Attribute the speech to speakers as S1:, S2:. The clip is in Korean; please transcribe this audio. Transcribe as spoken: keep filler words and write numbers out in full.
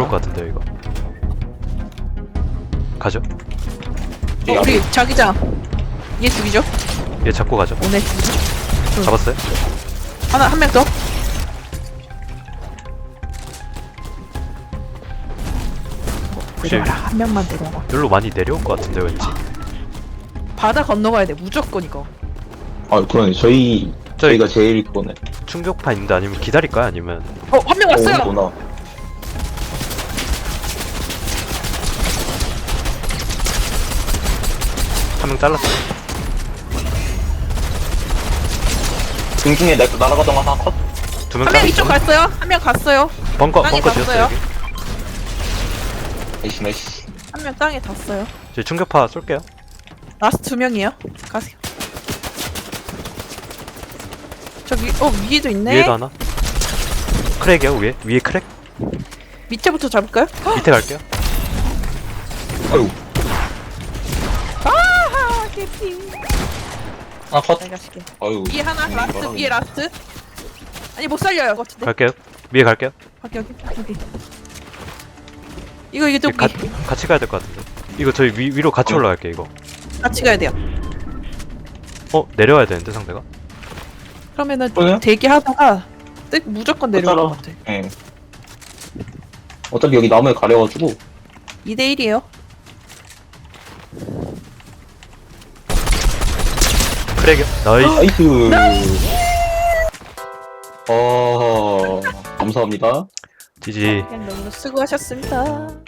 S1: 들어올 것 같은데요 이거. 가죠.
S2: 어, 우리 자기장. 얘 죽이죠?
S1: 얘 잡고 가죠.
S2: 오네 죽이죠? 응.
S1: 잡았어요?
S2: 하나 한 명 더.
S1: 혹시
S2: 내려와라. 한 명만 내려와.
S1: 여기로 많이 내려올 것 같은데 왠지.
S2: 바다 건너가야 돼. 무조건 이거.
S3: 아 그러네. 저희
S1: 저희
S3: 저희가 제일 그거네.
S1: 충격파 있는데 아니면 기다릴까요? 아니면
S2: 어, 한 명 왔어요.
S3: 오구나.
S1: 한 명 잘랐어.
S3: 중중에 나- 날아가던 거 하나 컷.
S1: 두 명
S2: 한 명
S1: 잘랐어.
S2: 이쪽 갔어요. 한 명 갔어요.
S1: 벙커
S2: 땅에
S1: 벙커 지었어요
S2: 닿았어요.
S1: 여기.
S3: 나이스 나이스.
S2: 한 명 땅에 닿았어요.
S1: 저희 충격파 쏠게요.
S2: 라스트 두 명이에요. 가세요. 저기 어 위에도 있네.
S1: 위에도 하나. 크랙이요 위에 위에 크랙.
S2: 밑에부터 잡을까요?
S1: 밑에 갈게요.
S3: 아유.
S2: 아하 개피.
S3: 하나 컷.
S2: 잘 가시게.
S3: 아유.
S2: 위에 하나
S3: 음,
S2: 라스트
S3: 이거는-
S2: 위에 라스트. 아니 못 살려요. 같은데.
S1: 갈게요. 위에 갈게요.
S2: 여기 여기 여기. 이거 이게 또
S1: 가, 같이 가야 될 것 같은데. 이거 저희 위, 위로 같이
S3: 어.
S1: 올라갈게요 이거.
S2: 같이 가야 돼요.
S1: 어 내려와야 되는데 상대가.
S2: 그러면은
S3: 그래요?
S2: 대기하다가 뜩 무조건 내려올
S3: 따라.
S2: 것 같아.
S3: 예. 어차피 여기 나무에 가려가지고.
S2: 이 대 일이에요.
S1: 크랙이요. 나이스.
S3: 나이스. 어 감사합니다.
S1: 지지.
S2: 그냥 너무 수고하셨습니다.